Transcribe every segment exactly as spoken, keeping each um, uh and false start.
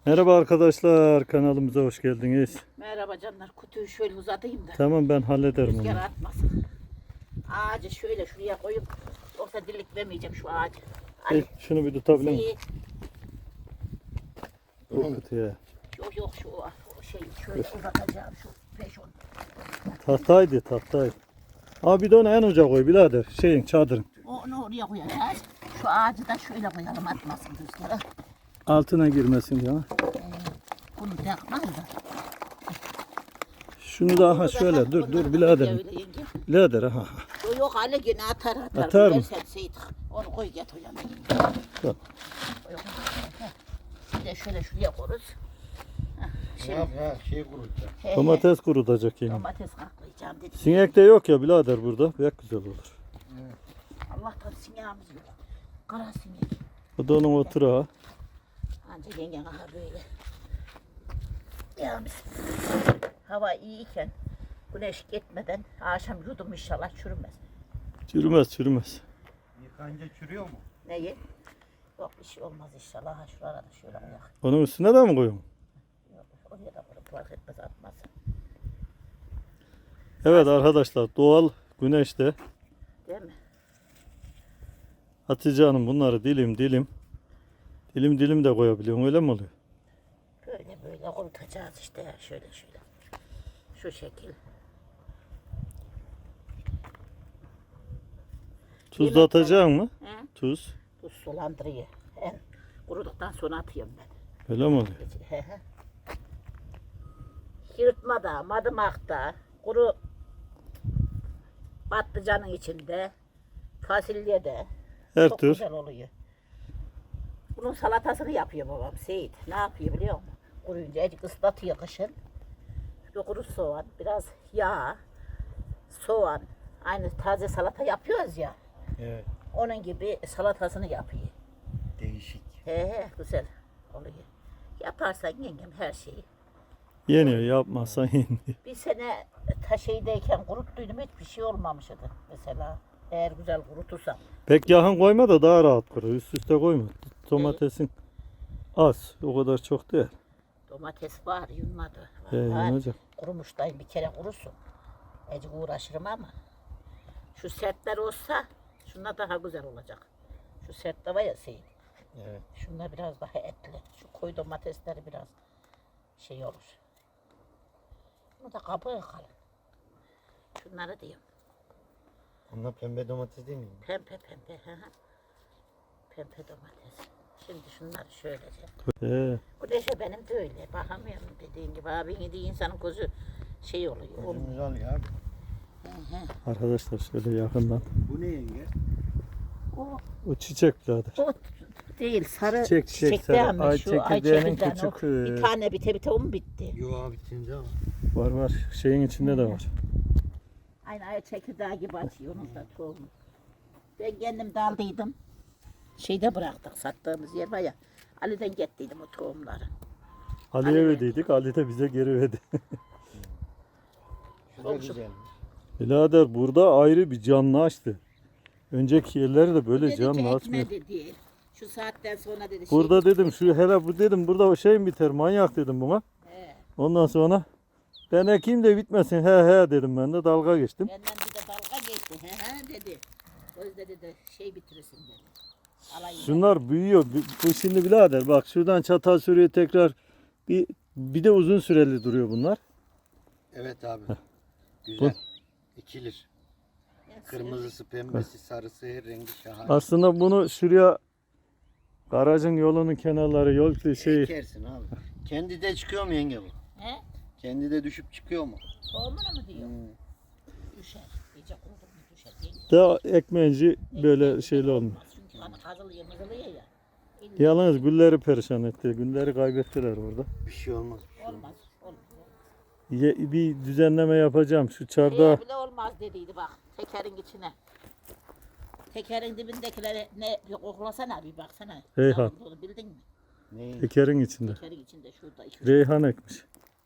Merhaba arkadaşlar, kanalımıza hoş geldiniz. Merhaba canlar, kutuyu şöyle uzatayım da Tamam, ben hallederim rüzgar onu. atmasın. Ağacı şöyle şuraya koyup yoksa dilik vermeyeceğim şu ağacı. Hey, Ay, şunu bir tutabilir miyim? şeyi, O kutuya. yok yok şu o şey şöyle uzatacağım şu peşon. Tahtaydı, tahtaydı. Abi bir de onu en uca koy birader, şeyin, çadırın. Onu oraya koyacağız. Şu ağacı da şöyle koyalım, atmasın rüzgara. Altına girmesin ya. Ee, bunu takmaz da. Şunu da aha Bunu da şöyle, tak, dur bunları dur da birader. öyle yenge. Birader aha. Yok yok Ali yine atar atar. Atar mı? Versen Seyit, onu koy get o yana. Tamam. Bir de şöyle şuraya koyarız. Ne yap ya şey kurutacak. He, he. Domates kurutacak yani. Domates kaklayacağım dedim. Sinek de yok ya birader burada, pek güzel olur. Allah'tan sinyağımız yok. Kara sinek. Bu da onun oturağı. Anca yengen aha böyle. Ya biz hava iyiyken güneş gitmeden akşam yudum inşallah çürümez. Çürümez, çürümez. Yıkanca çürüyor mu? Neyi? Yok bir şey olmaz inşallah. Ha şurada da şöyle koyak. Onun üstüne de mi koyuyorum? Yok oraya da koyup fark etmez atmaz. Evet arkadaşlar, doğal güneşte Değil mi? Hatice Hanım bunları dilim dilim dilim dilim de koyabiliyorum, öyle mi oluyor? Böyle böyle kurutacağız işte ya şöyle şöyle. Şu şekil. Tuz da atacak mı? He? Tuz. Bu sulandırıyor. En kuruduktan sonra atıyorum ben. Öyle mi oluyor? He he. Yırtmada, madımakta, kuru patlıcanın içinde, fasulyede Her çok tür. güzel oluyor. Bunun salatasını yapıyor babam Seyit. Ne yapıyor biliyor musun? Kuruyunca azıcık ıslatıyor kışın. Bir kuru soğan, biraz yağ, soğan. Aynı taze salata yapıyoruz ya. Evet. Onun gibi salatasını yapıyor. Değişik. He he güzel oluyor. Yaparsan yengem her şeyi. Yeniyor, yapmazsan yeniyor. Bir sene ta şeydeyken kuruttuydum hiçbir şey olmamıştı mesela. Eğer güzel kurutursam. Pek yakın koyma da daha rahat kuru. Üst üste koyma. Domatesin az. O kadar çok değil. Domates var yunmadı. He, Var. yanacak. Kurumuştayım bir kere kurusun. Ecik uğraşırım ama. Şu sertler olsa şunlar daha güzel olacak. Şu sert de var ya Seyit. Evet. Şunlar biraz daha etli. Şu koyu domatesleri biraz şey olur. Bunu da kabuğu kalın. Şunları diyorum. Onlar pembe domates değil mi? Pembe pembe. Hı hı. Pembe domates. Şimdi şunları şöylece. He. Güneşe benim de öyle. Bakamıyorum dediğin gibi. Abin yediği insanın gözü şey oluyor. olmuyor. Gözümüz al ya. Hı hı. Arkadaşlar şöyle yakından. Bu ne yenge? O, O çiçek birader. o değil sarı Çiçek, çiçek, çiçekte sarı. ama Ay şu ay çekirdeğinin çekirdeğin o. küçük, e, Bir tane bite bite o mu bitti? Yo abi bitince ama. Var var. Şeyin içinde de var. Aynı ay çekirdeği gibi açıyor onun da tohumu. Ben kendim daldıydım. Şeyde bıraktık sattığımız yer var ya. Ali'den gettiydim o tohumları. Ali'ye Ali- verdiydik. Ali de bize geri verdi. Şu da Olmuş. güzelmiş. Birader burada ayrı bir canlı açtı. Önceki yerleri de böyle Dedi ki canlı açmıyor. ekme dedi. Şu saatten sonra dedi. Burada şey, dedim şu hele bu dedim burada o şey mi biter manyak dedim buna. He, Ondan sonra ben ekeyim de bitmesin he he dedim, ben de dalga geçtim. benden bir de dalga geçti. He he dedi. Özde dedi şey bitirirsin dedi. Alayım. Şunlar büyüyor. Bu- Bu şimdi birader bak şuradan çatal sürüyor tekrar bir bir de uzun süreli duruyor bunlar. Evet abi. Güzel. İkilir. Ben Kırmızısı, pembesi, sarısı her rengi şahane. Aslında bunu şuraya garajın yolunun kenarları yol şey Ekersin abi. Kendi de çıkıyor mu yenge bu? He? Kendi de düşüp çıkıyor mu? Tohumunu mu diyor? Hmm. Düşer. İyice kurudu mu düşer. Yenge- daha ekmenci böyle şeyli olmuyor. Çünkü hani kazılıyor mızılıyor ya. Yalnız gülleri perişan etti. Gülleri kaybettiler orada. Bir şey olmaz. Bir şey olmaz. Olmaz. Olmaz. Ye- bir düzenleme yapacağım şu çardağa. Şeye bile olmaz dediydi bak. Tekerin içine. Tekerin dibindekileri ne koklasana bir baksana. Reyhan. Ne olduğunu bildin mi? Ne? Tekerin içinde. Tekerin içinde şurada iki üç Reyhan ekmiş.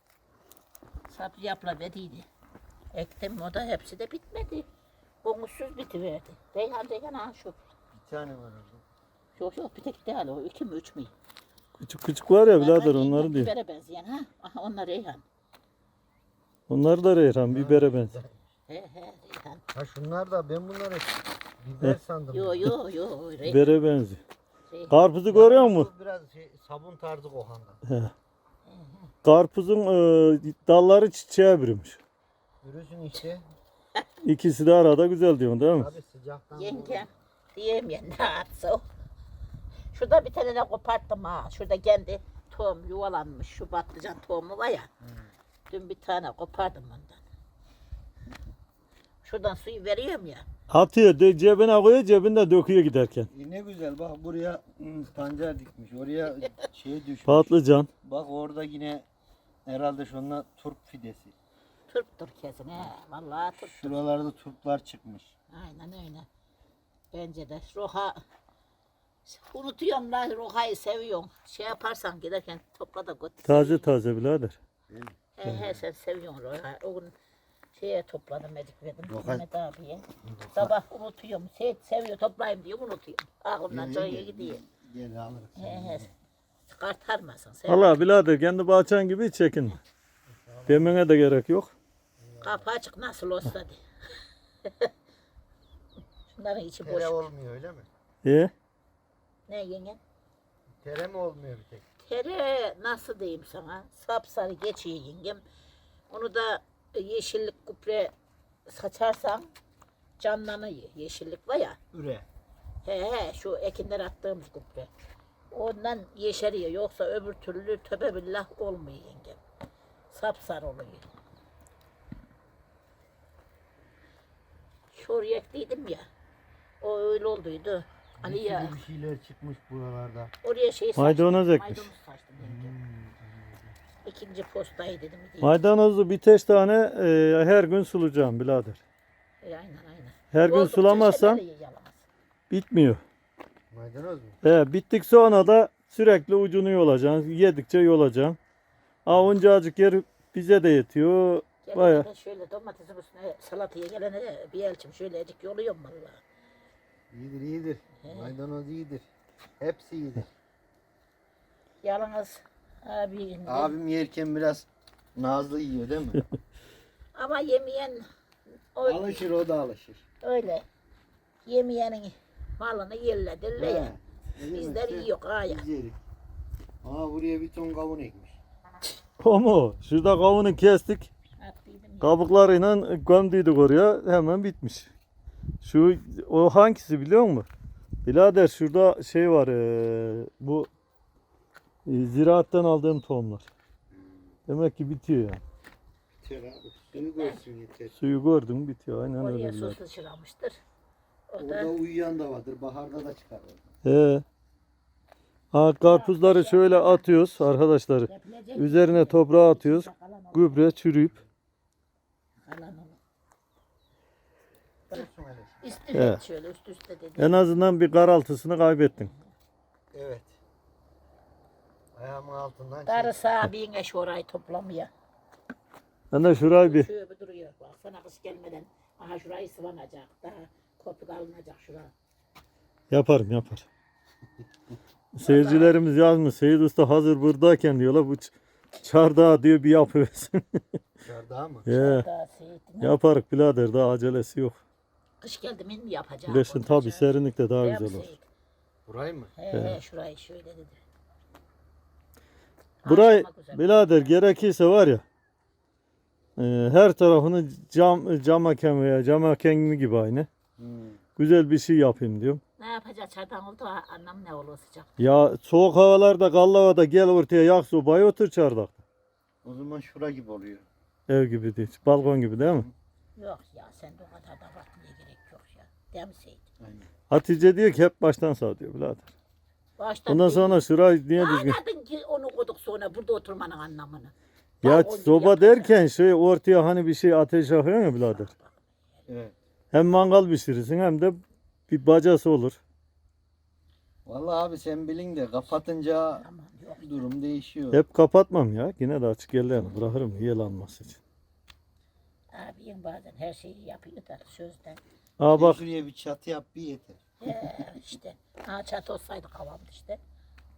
saplı yapla verdiydi. Ektim o da hepsi de bitmedi. Bonusuz bitiverdi. Reyhan Reyhan ha şu. Bir tane var orada. Yok yok bir tek değil o. İki mi üç mü? Küçük küçük var ya birader Aha, onları diyor. Bibere benzeyen ha. Aha onlar Reyhan. Onlar da reyhan, bibere benziyor. He he Reyhan. Ha şunlar da ben bunları biber sandım. Yo yo yo Reyhan. Bibere benziyor. Reyhan. Karpuzu görüyor musun? Bu biraz şey, sabun tarzı kokanda. He. Karpuzun e, dalları çiçeğe bürümüş. Yürüsün işte. İkisi de arada güzel diyorsun değil mi? Abi sıcaktan. Yengem diyemeyen ne yapsa o. Şurada bir tane de koparttım ha. Şurada kendi tohum yuvalanmış. Şu patlıcan tohumu var ya. Dün bir tane kopardım ondan. Şuradan suyu veriyorum ya. Atıyor, de, cebine koyuyor, cebinde döküyor giderken. E ne güzel bak buraya hmm, pancar dikmiş. Oraya şey düşmüş. Patlıcan. Bak orada yine herhalde şunlar turp fidesi. Turptur kesin he. Vallahi turp. Şuralarda turplar çıkmış. Aynen öyle. Bence de roha unutuyorum lan rohayı seviyorum. Şey yaparsan giderken topla da götür. Taze taze birader. He he sen seviyorsun rohayı. O gün şeye topladım medik verdim Roha- Mehmet abiye. Sabah unutuyorum. Seyit seviyor toplayayım diyor unutuyorum. Aklımdan çoğuya gidiyor. Gel alırız. He he. Çıkartarmasın sen. Allah birader kendi bahçen gibi hiç çekinme. Demene de gerek yok. Kapı açık nasıl olsa de. Şunların içi boş. Tere olmuyor öyle mi? E? Ne yengen? Tere mi olmuyor bir tek? Tere nasıl diyeyim sana? Sapsarı geçiyor yengem. Onu da yeşillik kupre saçarsan canlanıyor. Yeşillik var ya. Üre. He he şu ekinden attığımız kupre. Ondan yeşeriyor. Yoksa öbür türlü töbe billah olmuyor yengem. Sapsarı oluyor. Şuraya ekliydim ya. O öyle olduydu. Ali ya. Bir şeyler çıkmış buralarda. Oraya şey saçtım. Maydanoz ekmiş. Maydanoz saçtım yengem. İkinci postayı dedim. Değil. Maydanozu birkaç tane e, her gün sulayacağım birader. E, aynen aynen. Her gün Oldukça sulamazsan şekerli yalamaz. bitmiyor. Maydanoz mu? He, bittik sonra da sürekli ucunu yolacaksın. Yedikçe yolacaksın. Aa onca azıcık yer bize de yetiyor. Gelene Baya. de şöyle domatesin üstüne salataya gelene de bir elçim şöyle ecik yoluyorum valla. İyidir iyidir. Maydanoz iyidir. Hepsi iyidir. Yalnız abi Abim yerken biraz nazlı yiyor değil mi? ama yemeyen o, Alışır o da alışır. öyle. Yemeyenin malını yerlediler ya. He, değil mi? Bizler İşte yiyor ha ya. biz yerik. Aa buraya bir ton kavun ekmiş. O mu? Şurada kavunu kestik. Attıydım ya. Kabuklarıyla gömdüydük oraya. Hemen bitmiş. Şu o hangisi biliyor musun? Birader şurada şey var. eee, bu e, ziraattan aldığım tohumlar. Demek ki bitiyor yani. Bitiyor abi. Suyu görsün yeter. Suyu gördüm bitiyor. Aynen Oraya öyle su birader. sıçramıştır. O Orada da uyuyan da vardır. Baharda da çıkar. He. Ha, karpuzları şöyle atıyoruz arkadaşlar. yapılacak. Üzerine toprağı atıyoruz. Kalan olur. Gübre çürüyüp. Kalan olur. Dursun hele. Üst He. üste şöyle üst üste dedi. En azından bir karaltısını kaybettin. Evet. Ayağımın altından çek. Darısı abine şu orayı toplamaya. Ben de şurayı bir Şöyle bir duruyor. Baksana kış gelmeden. Aha şurayı sıvanacak. Daha kopuk alınacak şura. yaparım yapar. Seyircilerimiz yazmış. Seyit Usta hazır buradayken diyorlar bu ç- çardağı diyor bir yapıversin. Dışarıda mı? He. Daha seyitine. Yaparık birader daha acelesi yok. Kış geldi mi mi yapacağım? Bilesin tabi serinlikte daha güzel olur. Burayı mı? He he şurayı şöyle dedi. Burayı Akşama güzel. birader gerekirse var ya e, her tarafını cam cam hakem veya cam hakemi gibi aynı. Hmm. Güzel bir şey yapayım diyorum. Ne yapacağız çardan oldu ha, annem ne olur sıcak. Ya soğuk havalarda kallı havada gel ortaya yak sobayı otur çardakta. O zaman şura gibi oluyor. Ev gibi değil. Balkon gibi değil mi? Yok ya sen de o kadar da abartmaya gerek yok ya. Değil mi Seyit? Aynen. Hatice diyor ki hep baştan sağ diyor birader. Baştan Ondan değil. sonra şurayı niye düzgün? Anladın ki onu koyduk sonra burada oturmanın anlamını. Ya Balkon gibi soba yaparsan. derken şey ortaya hani bir şey ateş yakıyor ya birader. Evet. Hem mangal pişirirsin hem de bir bacası olur. Vallahi abi sen bilin de kapatınca Aman yok. durum değişiyor. Hep kapatmam ya. Yine de açık yerlerini bırakırım yel alması için. Abim bazen her şeyi yapıyor da sözden. Aa bak Şuraya bir çatı yap bir yeter. He işte. Ha çatı olsaydı kavamdı işte.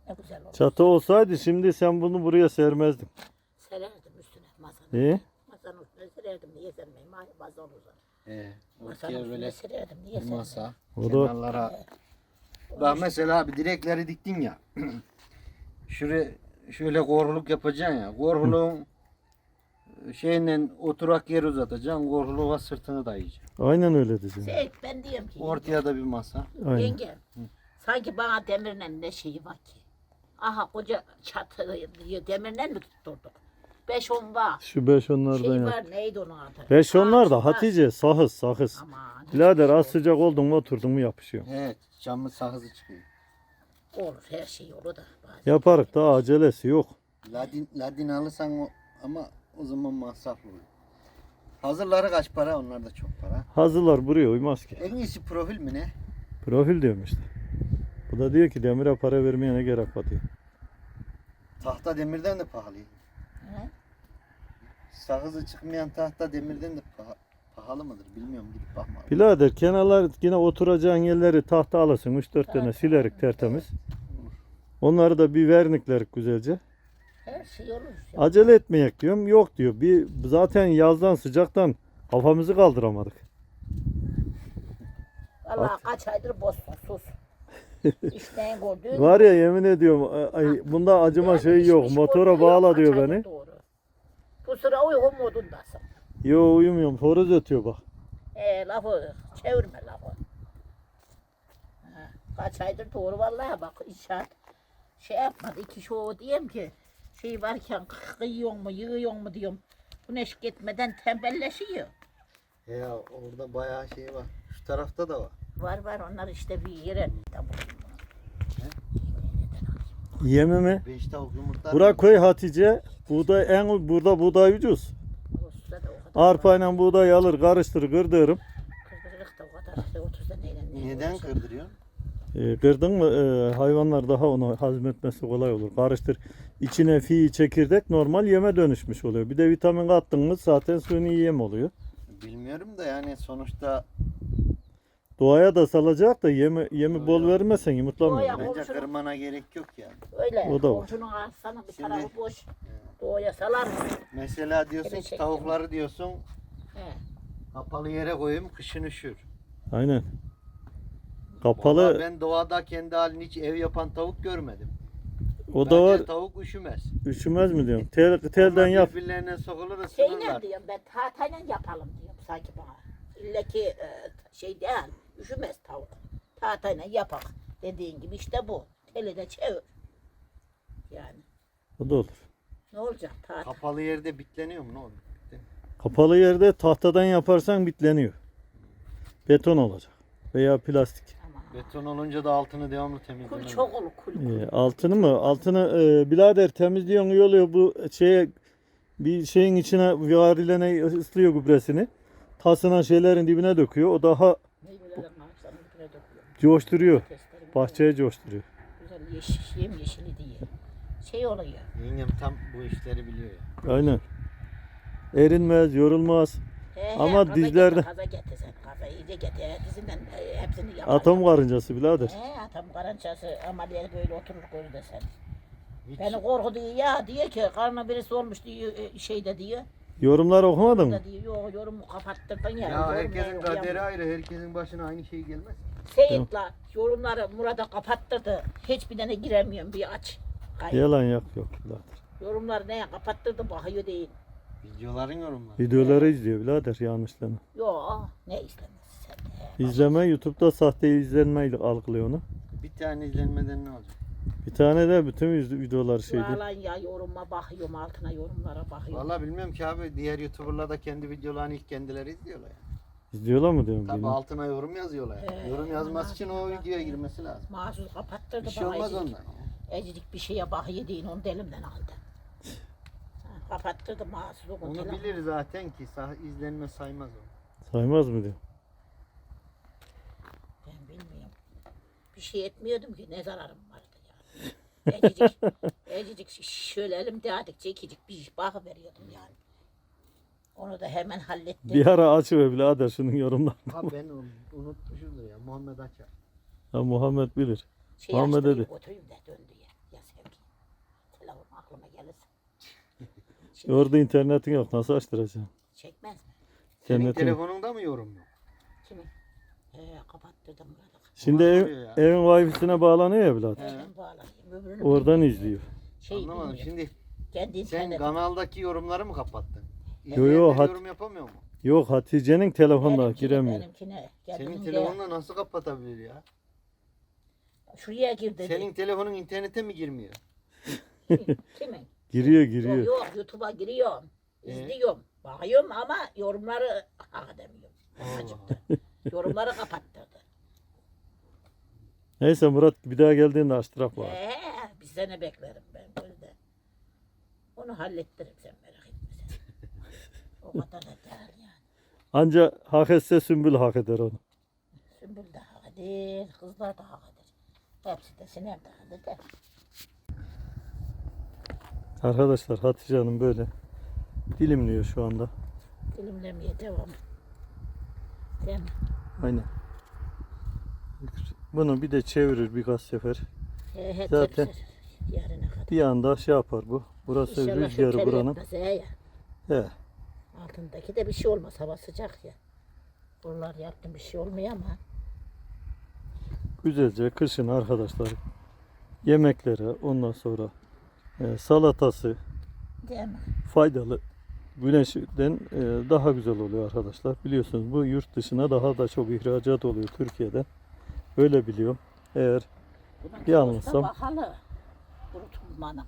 Ne güzel olur. Çatı olsaydı şimdi sen bunu buraya sermezdin. Sererdim üstüne masanın. İyi. Masanın üstüne sererdim. Niye sermeyeyim? Mah- Masa olur zaten. Ee, Masanın ortaya üstüne böyle sererdim. Niye sermeyeyim? masa. O da- Kenarlara. Bak mesela abi direkleri diktin ya. Şuraya şöyle korkuluk yapacaksın ya. Korkuluğun şeyle oturak yer uzatacaksın. Korkuluğa sırtını dayayacaksın. Aynen öyle diyeceğim. Seyit ben diyorum ki Ortaya da bir masa. Aynen. yenge sanki bana demirle ne şeyi var ki? Aha koca çatı demirle mi tutturduk? Beş on var. Şu beş onlardan Şey yap. var neydi onun adı? Beş onlar da Ağaç var. Hatice sahız sahız. Aman. Birader az hiçbir sıcak oldun mu oturdun mu yapışıyor. Evet, camın sakızı çıkıyor. şey olur her şey olur da. bazen. Yaparık da acelesi yok. Ladin, ladin alırsan o, ama o zaman masraflı olur. Hazırları kaç para? Onlar da çok para. Hazırlar buraya uymaz ki. En iyisi profil mi ne? Profil diyorum işte. Bu da diyor ki demire para vermeye ne gerek var diyor. Tahta demirden de pahalı. He? Sakızı çıkmayan tahta demirden de paha- pahalı mıdır bilmiyorum, gidip bakma. Birader kenarlar yine oturacağın yerleri tahta alasın üç dört tane silerik tertemiz. Onları da bir verniklerik güzelce. Her şey olur. Acele etmeyek diyorum. Yok diyor. Bir zaten yazdan sıcaktan kafamızı kaldıramadık. Allah kaç aydır bozsun sus. İşten gördüğün. Var ya yemin ediyorum ay, bunda acıma şey yok. Motora bağla diyor beni. Doğru. Bu sıra uygun modundasın. Yo uyumuyorum. Horoz ötüyor bak. E, lafı çevirme lafı. Ha, kaç aydır doğru vallahi bak inşaat şey yapmadı. İki şu diyeyim ki şey varken kıyıyor mu yığıyor mu diyorum. Güneş gitmeden tembelleşiyor. Ya orada bayağı şey var. Şu tarafta da var. Var var onlar işte bir yere. Yemi mi? Beş tavuk yumurtlar. Burak koy Hatice. Buğday en burada buğday ucuz. Olsa da o kadar. Arpayla buğday alır karıştır kırdırırım. Kırdırırık da o kadar işte otuz neyle ne Neden uğraşır. kırdırıyorsun? E, kırdın mı e, hayvanlar daha onu hazmetmesi kolay olur. Karıştır. İçine fi çekirdek normal yeme dönüşmüş oluyor. Bir de vitamin kattın mı zaten suni yem oluyor. Bilmiyorum da yani sonuçta Doğaya da salacak da yemi, yemi Doğaya- bol vermezsen yumurtlamıyor. Doğaya- bence komşunun- kırmana gerek yok yani. Öyle. O da var. Komşunun arsana bir Şimdi- tarafı boş. Doğuya salar mısın? Mesela diyorsun Evet, ki çektim. tavukları diyorsun He. kapalı yere koyayım, kışın üşür. Aynen. Vallahi Kapalı ben doğada kendi halini hiç ev yapan tavuk görmedim. o da Bence var. tavuk üşümez. Üşümez mi diyorum. Tel, telden Onlar yap. birbirlerine sokulur Şey ısınırlar. ne diyorum ben tahtayla yapalım diyorum sanki bana. İlle ki e, şey değil, üşümez tavuk. Tahtayla yapak dediğin gibi işte bu. Teli de çevir. Yani O da olur. ne olacak tahta? Kapalı yerde bitleniyor mu ne olur? Kapalı yerde tahtadan yaparsan bitleniyor. Beton olacak. Veya plastik. Aman. Beton olunca da altını devamlı Kul temizlemem. çok olur kul. kul. Ee, altını mı? Altını e, birader temizliyorsun iyi oluyor bu şeye bir şeyin içine varilene ıslıyor gübresini. Tasına şeylerin dibine döküyor. O daha Meyvelerin ağaçlarının dibine döküyorum. coşturuyor. Testleri Bahçeye coşturuyor. güzel yeşil, yem yeşili diye. Şey oluyor. Yengem tam bu işleri biliyor ya. Aynen. Erinmez, yorulmaz. He, he, Ama gaza dizlerde- Getir, gaza getir sen. Gaza iyice getir. He, dizinden e, hepsini yapar. Atom karıncası birader. He, atom karançası ameliyat böyle oturur koyu da sen. Hiç, Beni korkutuyor ya diyor ki karnına birisi olmuş diyor e, şeyde diyor. Yorumlar okumadın mı? Da diyor yok yorumu kapattırdın ya. ya yorum herkesin yok, kaderi ya. ayrı, herkesin başına aynı şey gelmez. Seyit la yorumları Murat'a kapattırdı. Hiçbir tane giremiyorum bir aç. Hayır. Yalan yok yok birader. Yorumları neye kapattırdı bakıyor değil. Videoların yorumları. Videoları izliyor birader yanlışlama. Yok ne istemez sen de. İzleme YouTube'da sahte izlenmeyle algılıyor onu. Bir tane izlenmeden ne olacak? Bir tane de bütün yüz- videolar şeydi. Yalan ya yoruma bakıyorum altına yorumlara bakıyorum. Vallahi bilmiyorum ki abi, diğer YouTuber'lar da kendi videolarını ilk kendileri izliyorlar ya. İzliyorlar mı diyorum. Tabi bilmiyorum. altına yorum yazıyorlar. ya. He, yorum yazması için o altına videoya bak. girmesi lazım. Mahsus kapattırdı Bir şey bana olmaz ecik. ondan. Ecik bir şeye bakıyor değil onu da elimden aldı. Ha, kapattırdı mahsus o Onu telefonu. bilir zaten ki sah izlenme saymaz o. Saymaz mı diyor. Ben bilmiyorum. Bir şey etmiyordum ki ne zararım vardı yani. Ecicik, ecicik şöyle elimde adık çekicik bir iş bakıveriyordum yani. Onu da hemen hallettim. Bir ara açıver birader şunun yorumlarını. Ha ben onu unutmuşumdur ya, Muhammed Açar. Ha, Muhammed bilir. şey Muhammed açtırayım, dedi. oturayım da döndü ya. Yaz. telefon aklıma gelirse. Şimdi Orada internetin yok. Nasıl açtıracaksın? çekmez mi? Senin İnternetin- telefonunda mı yorum yok? Kimin? He kapattırdım burada. Şimdi Nasıl ev, oluyor ya? evin wifi'sine bağlanıyor ya birader. He. Ben bağlayayım. Öbürünü Oradan bilmiyorum. izliyor. Şey Anlamadım. bilmiyorum. Şimdi Kendi sen internet. kanaldaki yorumları mı kapattın? Yo, yo, İzleyenler hat- yorum yapamıyor mu? Yok Hatice'nin telefonuna Benimkine, giremiyor. benimkine. Senin Kendinin de- telefonla nasıl kapatabilir ya? Şuraya gir dedi. Senin telefonun internete mi girmiyor? Kimin? Kimin? Giriyor Yok, giriyor. yok YouTube'a giriyorum. Ee? İzliyorum. Bakıyorum ama yorumları hak edemiyorum. Allah. Acıktı. Yorumları kapattırdı. Neyse Murat bir daha geldiğinde açtırak var. Ee, bir sene beklerim ben böyle. Onu hallettiririm sen merak etme sen. O kadar da değil yani. Anca hak etse Sümbül hak eder onu. Sümbül de hak eder, kızlar da hak eder. Hepsi de Sinem de hak eder. Arkadaşlar Hatice Hanım böyle dilimliyor şu anda. Dilimlemeye devam. Değil mi? Aynen. Bunu bir de çevirir birkaç sefer. He, he, Zaten- tepsi yarına kadar. Bir anda şey yapar bu. Burası İnşallah rüzgarı şeker buranın. yapmaz, he ya. He. Altındaki de bir şey olmaz. Hava sıcak ya. Buralar yaptım bir şey olmuyor ama. Güzelce kışın arkadaşlar yemekleri ondan sonra e, salatası Değil mi? faydalı. Güneşten e, daha güzel oluyor arkadaşlar. Biliyorsunuz bu yurt dışına daha da çok ihracat oluyor Türkiye'den. Öyle biliyorum. Eğer Bunun Bir anlasam. Bahalı. Kurutulmanın.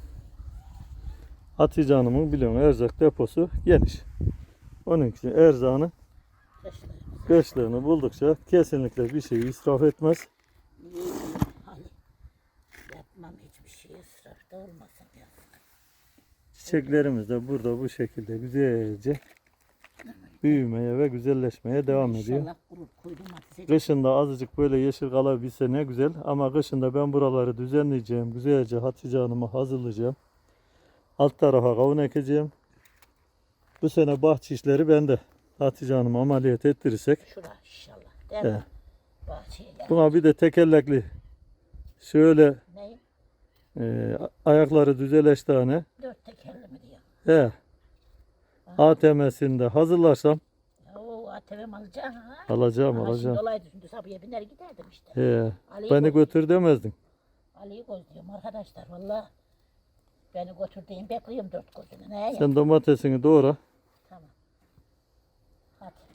Hatice Hanım'ın biliyorum erzak deposu geniş. Onun için erzağını Kışlarımız. kışlığını buldukça kesinlikle bir şey israf etmez. İyi, iyi. Hadi. Yapmam hiçbir şey ısrafta olmasın ya. Çiçeklerimiz de burada bu şekilde güzelce büyümeye ve güzelleşmeye devam ediyor. İnşallah kurur koydum ateşe. Kışında azıcık böyle yeşil kalabilse ne güzel ama kışında ben buraları düzenleyeceğim. Güzelce Hatice Hanım'a hazırlayacağım. Alt tarafa kavun ekeceğim. Bu sene bahçe işleri bende. Hatice Hanım'a ameliyat ettirirsek. Şura inşallah. Değil mi? He. Bahçeye gel. Buna bir de tekerlekli şöyle Ne? e, ayakları düzeleş tane. Dört tekerli mi diyor. He. A T M'sinde hazırlarsam Oo A T V'm alacaksın ha. alacağım Ama alacağım. Şimdi olaydı şimdi sabıya biner giderdim işte. He. Ali'yi Beni koy- götür demezdin. Ali'yi gözlüyorum arkadaşlar valla. Beni götürdüğüm bekliyorum dört gözünü. Ne ya? Sen domatesini doğra. Tamam. Hadi.